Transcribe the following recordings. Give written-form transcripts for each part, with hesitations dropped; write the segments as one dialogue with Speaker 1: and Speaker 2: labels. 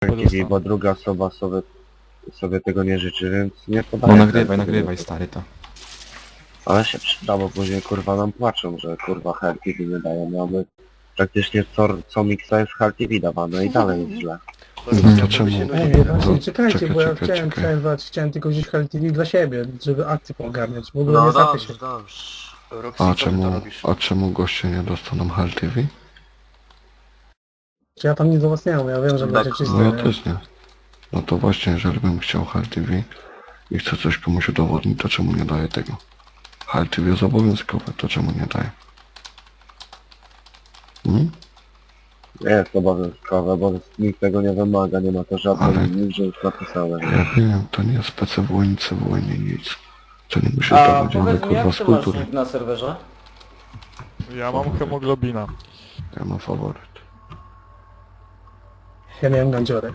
Speaker 1: TV, bo druga osoba sobie tego nie życzy, więc nie podaję.
Speaker 2: No nagrywaj stary to.
Speaker 1: Ale się przyda, bo później kurwa nam płaczą, że kurwa Hell TV nie dają. Mamy praktycznie co miksa jest Hell TV dawane i dalej jest źle.
Speaker 2: To czemu?
Speaker 3: Ej, właśnie, czekajcie,
Speaker 2: czekaj,
Speaker 3: bo ja
Speaker 2: czekaj,
Speaker 3: chciałem
Speaker 2: czekaj.
Speaker 3: przerwać, chciałem tylko gdzieś Hell TV dla siebie, żeby akcję poogarniać. W ogóle
Speaker 1: No
Speaker 3: nie zapy się.
Speaker 1: dobrze, dobrze.
Speaker 4: Roxy,
Speaker 2: A
Speaker 4: co ty to
Speaker 2: czemu,
Speaker 4: robisz?
Speaker 2: a czemu goście nie dostaną Hell TV?
Speaker 3: Czy ja tam nic do was nie mam, ja wiem, że
Speaker 1: Tak.
Speaker 3: będzie czyste.
Speaker 2: No ja
Speaker 3: nie?
Speaker 2: też nie. No to właśnie, jeżeli bym chciał Hell TV i chcę coś komuś udowodnić, to czemu nie daję tego? Hell TV jest obowiązkowe, to czemu nie daję?
Speaker 1: Nie jest obowiązkowe, bo nikt tego nie wymaga, nie ma to żadnej
Speaker 2: Ale-
Speaker 1: nigdzie już napisane.
Speaker 2: Ja wiem, to nie jest PCW, nic CW, nic. To nie musi
Speaker 5: A
Speaker 2: zdawać
Speaker 5: powiedz mi,
Speaker 2: kurwa
Speaker 5: jak
Speaker 2: z
Speaker 5: ty masz
Speaker 2: kultury.
Speaker 5: nick na serwerze?
Speaker 6: Ja mam hemoglobina.
Speaker 2: Ja mam faworyt.
Speaker 3: Ja miałem gandziorę.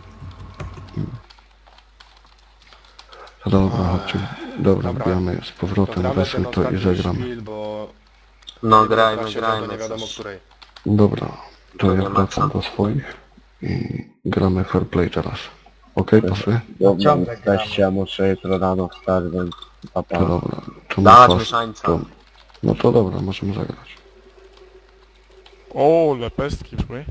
Speaker 2: No dobra, chodźcie. Dobra,
Speaker 4: Dobra.
Speaker 2: gramy z powrotem,
Speaker 4: Gramy
Speaker 2: weźmy
Speaker 4: ten
Speaker 2: to i
Speaker 4: ostatni
Speaker 2: zagramy.
Speaker 4: szpil, bo
Speaker 1: No
Speaker 4: nie
Speaker 1: grajmy,
Speaker 4: trafi się
Speaker 1: grajmy.
Speaker 4: do nie wiadomo
Speaker 1: coś.
Speaker 4: której.
Speaker 2: Dobra, to
Speaker 1: To
Speaker 2: ja
Speaker 1: nie ma
Speaker 2: wracam
Speaker 1: co.
Speaker 2: do swoich i gramy fair play teraz. Okej, pasuje?
Speaker 1: Dobra,
Speaker 3: Ciągle
Speaker 1: jesteście, ja muszę jutro rano wstać, więc papa.
Speaker 2: To dobra. To
Speaker 1: Dawać
Speaker 2: na
Speaker 1: mieszańca.
Speaker 2: to, no to dobra, możemy zagrać.
Speaker 6: O, lepestki szły.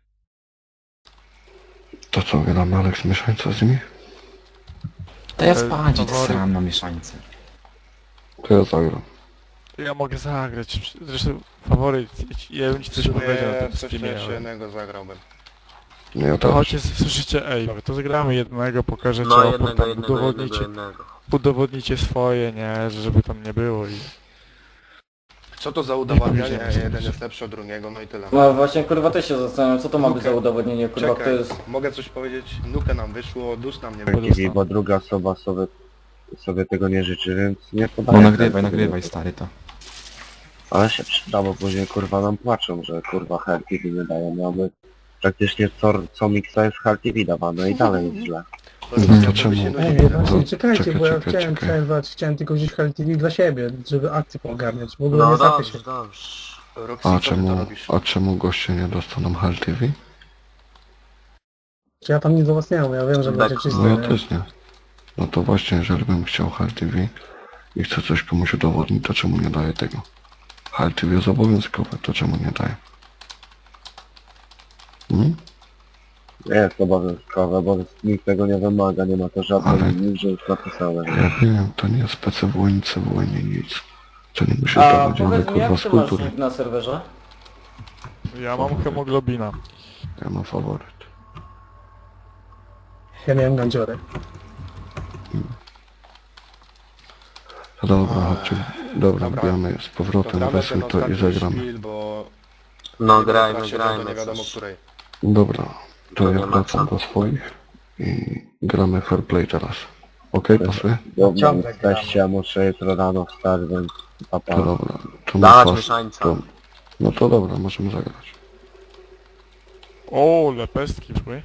Speaker 2: To co, gramy Alex mieszańca z nimi?
Speaker 5: To ja spać,
Speaker 6: faworyt.
Speaker 5: sram na mieszańce.
Speaker 2: To ja zagram.
Speaker 6: Ja mogę zagrać. Zresztą faworyt, ja bym ci coś powiedział na tym
Speaker 4: Coś
Speaker 6: streamie,
Speaker 4: jeszcze
Speaker 6: ale...
Speaker 4: jednego zagrałbym.
Speaker 2: Nie, ja
Speaker 6: To
Speaker 2: też.
Speaker 6: chodźcie, słyszycie, ej, to zagramy jednego, pokażę
Speaker 1: No
Speaker 6: ciało,
Speaker 1: jednego,
Speaker 6: potem
Speaker 1: jednego, jednego.
Speaker 6: udowodnicie swoje, nie, żeby tam nie było i...
Speaker 4: Co to za udowadnianie?
Speaker 6: pójdziemy.
Speaker 4: Jeden jest lepszy od drugiego, no i tyle.
Speaker 5: No właśnie kurwa też się zastanawiam, co to ma być
Speaker 4: Nukę.
Speaker 5: za udowodnienie, kurwa, kto
Speaker 4: Czekaj,
Speaker 5: jest...
Speaker 4: mogę coś powiedzieć? Nukę nam wyszło, dus nam nie
Speaker 1: Hell
Speaker 4: wyszło.
Speaker 1: TV, bo druga osoba sobie tego nie życzy, więc nie podaję.
Speaker 2: No
Speaker 5: nagrywaj stary to.
Speaker 1: Ale się przyda, bo później kurwa nam płaczą, że kurwa Hell TV nie dają. Mamy praktycznie co miksa jest Hell TV dawane i dalej jest źle.
Speaker 2: To czemu?
Speaker 3: Ej, właśnie,
Speaker 2: To
Speaker 3: czekajcie, bo ja
Speaker 2: czekaj,
Speaker 3: chciałem
Speaker 2: czekaj.
Speaker 3: przerwać, chciałem tylko gdzieś Hell TV dla siebie, żeby akcję poogarniać. W ogóle
Speaker 1: No
Speaker 3: nie zapy się.
Speaker 1: dobrze, dobrze.
Speaker 4: Roxy,
Speaker 2: A
Speaker 4: co ty to
Speaker 2: czemu,
Speaker 4: robisz?
Speaker 2: a czemu goście nie dostaną Hell TV?
Speaker 3: Czy ja tam nic do was nie mam, ja wiem, że
Speaker 1: Tak.
Speaker 3: będzie czyste.
Speaker 2: No ja
Speaker 3: nie?
Speaker 2: też nie. No to właśnie, jeżeli bym chciał Hell TV i chcę coś komuś udowodnić, to czemu nie daję tego? Hell TV jest obowiązkowe, to czemu nie daję?
Speaker 1: Nie jest obowiązkowe, bo nikt tego nie wymaga, nie ma to żadnej
Speaker 2: Ale-
Speaker 1: nigdzie już napisane.
Speaker 2: Ja wiem, to nie jest PCW, nic CW, nic. To nie musi
Speaker 5: A
Speaker 2: zdawać
Speaker 5: powiedz mi,
Speaker 2: kurwa
Speaker 5: jak
Speaker 2: z
Speaker 5: ty masz
Speaker 2: kultury.
Speaker 5: nick na serwerze?
Speaker 6: Ja mam hemoglobina.
Speaker 2: Ja mam faworyt.
Speaker 3: Ja miałem gandziorę.
Speaker 2: No dobra, chodźcie. Dobra,
Speaker 4: Dobra.
Speaker 2: gramy z powrotem,
Speaker 4: Gramy
Speaker 2: weźmy
Speaker 4: ten
Speaker 2: to i
Speaker 4: ostatni
Speaker 2: zagramy.
Speaker 4: szpil, bo
Speaker 1: No
Speaker 4: nie
Speaker 1: grajmy,
Speaker 4: trafi się
Speaker 1: grajmy.
Speaker 4: do nie wiadomo
Speaker 1: coś.
Speaker 4: której.
Speaker 2: Dobra, to
Speaker 1: To
Speaker 2: ja
Speaker 1: nie ma
Speaker 2: wracam
Speaker 1: co.
Speaker 2: do swoich i gramy fair play teraz. Okej, pasuje?
Speaker 1: Dobra,
Speaker 3: Ciągle
Speaker 1: jesteście, ja muszę jutro rano wstać, więc papa.
Speaker 2: To dobra. To
Speaker 1: Dawać
Speaker 2: na
Speaker 1: mieszańca.
Speaker 2: to, no to dobra, możemy zagrać.
Speaker 6: O, lepestki szły.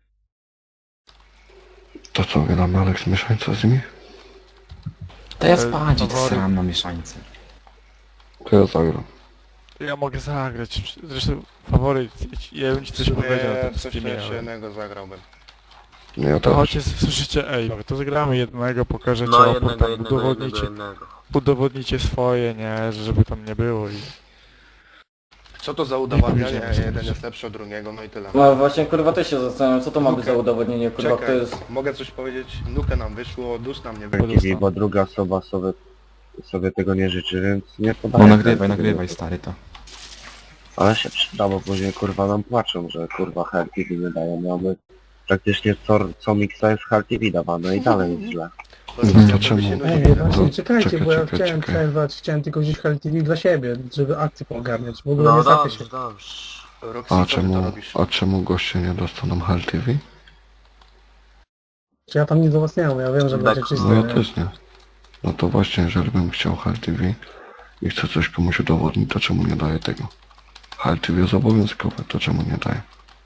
Speaker 2: To co, gramy Alex mieszańca z nimi?
Speaker 5: To ja spać,
Speaker 6: faworyt.
Speaker 5: sram na mieszańce.
Speaker 2: To ja zagram.
Speaker 6: Ja mogę zagrać. Zresztą faworyt, ja bym ci coś powiedział na tym
Speaker 4: Coś
Speaker 6: streamie,
Speaker 4: jeszcze
Speaker 6: ale...
Speaker 4: jednego zagrałbym.
Speaker 2: Nie, ja
Speaker 6: To
Speaker 2: też.
Speaker 6: chodźcie, słyszycie, ej, to zagramy jednego, pokażę
Speaker 1: No
Speaker 6: ciało,
Speaker 1: jednego,
Speaker 6: potem
Speaker 1: jednego, jednego.
Speaker 6: udowodnicie swoje, nie, żeby tam nie było i...
Speaker 4: Co to za udowadnianie?
Speaker 6: pójdziemy.
Speaker 4: Jeden jest lepszy od drugiego, no i tyle.
Speaker 5: No właśnie kurwa też się zastanawiam, co to ma być
Speaker 4: Nukę.
Speaker 5: za udowodnienie, kurwa, kto
Speaker 4: Czekaj,
Speaker 5: jest...
Speaker 4: mogę coś powiedzieć? Nukę nam wyszło, dus nam nie
Speaker 1: Hell
Speaker 4: wyszło.
Speaker 1: TV, bo druga osoba sobie tego nie życzy, więc nie podaję.
Speaker 5: No nagrywaj stary to.
Speaker 1: Ale się przyda, bo później kurwa nam płaczą, że kurwa Hell TV nie dają. Mamy praktycznie co miksa jest Hell TV dawane i dalej jest źle.
Speaker 2: To czemu?
Speaker 3: Ej, właśnie,
Speaker 2: To
Speaker 3: czekajcie, bo ja
Speaker 2: czekaj,
Speaker 3: chciałem
Speaker 2: czekaj.
Speaker 3: przerwać, chciałem tylko gdzieś Hell TV dla siebie, żeby akcję poogarniać. W ogóle
Speaker 1: No
Speaker 3: nie zapy się.
Speaker 1: dobrze, dobrze.
Speaker 4: Roxy,
Speaker 2: A
Speaker 4: co ty to
Speaker 2: czemu,
Speaker 4: robisz?
Speaker 2: a czemu goście nie dostaną Hell TV?
Speaker 3: Czy ja tam nic do was nie mam, ja wiem, że
Speaker 1: Tak.
Speaker 3: będzie czyste.
Speaker 2: No ja
Speaker 3: nie?
Speaker 2: też nie. No to właśnie, jeżeli bym chciał Hell TV i chcę coś komuś udowodnić, to czemu nie daję tego? Hell TV jest obowiązkowe, to czemu nie daję?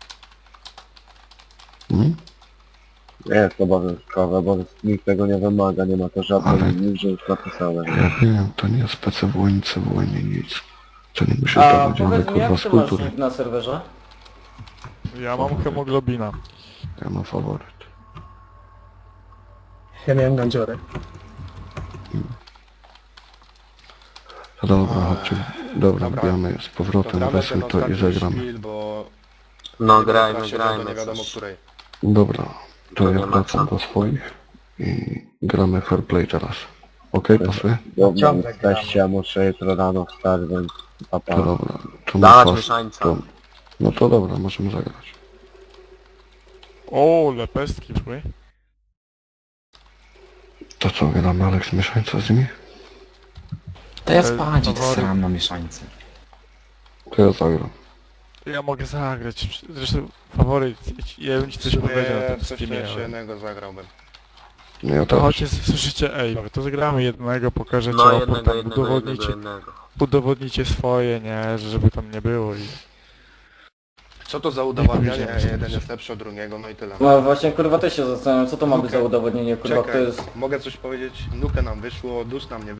Speaker 1: Nie jest obowiązkowe, bo nikt tego nie wymaga, nie ma to żadnej
Speaker 2: Ale-
Speaker 1: nigdzie już napisane.
Speaker 2: Ja wiem, to nie jest PCW, nic CW, nic. To nie musi
Speaker 5: A
Speaker 2: zdawać
Speaker 5: powiedz mi,
Speaker 2: kurwa
Speaker 5: jak
Speaker 2: z
Speaker 5: ty masz
Speaker 2: kultury.
Speaker 5: nick na serwerze?
Speaker 6: Ja mam hemoglobina.
Speaker 2: Ja mam faworyt.
Speaker 3: Ja miałem gandziorę.
Speaker 2: To dobra, chodźcie. Dobra,
Speaker 4: Dobra.
Speaker 2: wbijamy z powrotem,
Speaker 4: gramy
Speaker 2: weźmy
Speaker 4: ten
Speaker 2: to i
Speaker 4: ostatni
Speaker 2: zagramy.
Speaker 4: szpil, bo
Speaker 1: No
Speaker 4: nie
Speaker 1: grajmy,
Speaker 4: wiem, do
Speaker 1: grajmy.
Speaker 4: nie wiadomo
Speaker 1: coś.
Speaker 4: której.
Speaker 2: Dobra, to
Speaker 1: To
Speaker 2: ja
Speaker 1: nie ma
Speaker 2: wracam
Speaker 1: co.
Speaker 2: do swoich i gramy fair play teraz. Okej, pasuje?
Speaker 1: Dobra,
Speaker 3: Ciągle
Speaker 1: jesteście, ja muszę jutro rano wstać, więc papa.
Speaker 2: To dobra. To
Speaker 1: Dawać
Speaker 2: ma
Speaker 1: mieszańca.
Speaker 2: to, no to dobra, możemy zagrać.
Speaker 6: O, lepestki były.
Speaker 2: To co, gramy Aleks mieszańca z nimi?
Speaker 5: To ja spać, to
Speaker 6: faworyt.
Speaker 5: sram na mieszańcy.
Speaker 2: To ja zagram.
Speaker 6: Ja mogę zagrać. Zresztą faworyt, ja bym ci coś powiedział na tym
Speaker 4: Coś
Speaker 6: streamie.
Speaker 4: jeszcze
Speaker 6: ale-
Speaker 4: jednego zagrałbym.
Speaker 2: No ja
Speaker 6: To
Speaker 2: też.
Speaker 6: chodźcie, słyszycie, ej, to zagramy jednego, pokażę
Speaker 1: No
Speaker 6: co,
Speaker 1: jednego,
Speaker 6: potem
Speaker 1: jednego, jednego.
Speaker 6: udowodnicie swoje, nie, żeby tam nie było i...
Speaker 4: Co to za udowadnianie?
Speaker 6: pójdziemy sobie.
Speaker 4: Jeden jest lepszy od drugiego, no i tyle.
Speaker 5: No właśnie kurwa też się zastanawiam, co to ma być
Speaker 4: Nukę.
Speaker 5: za udowodnienie, kurwa, kto
Speaker 4: Czekaj,
Speaker 5: jest...
Speaker 4: mogę coś powiedzieć? Nukę nam wyszło, dus nam nie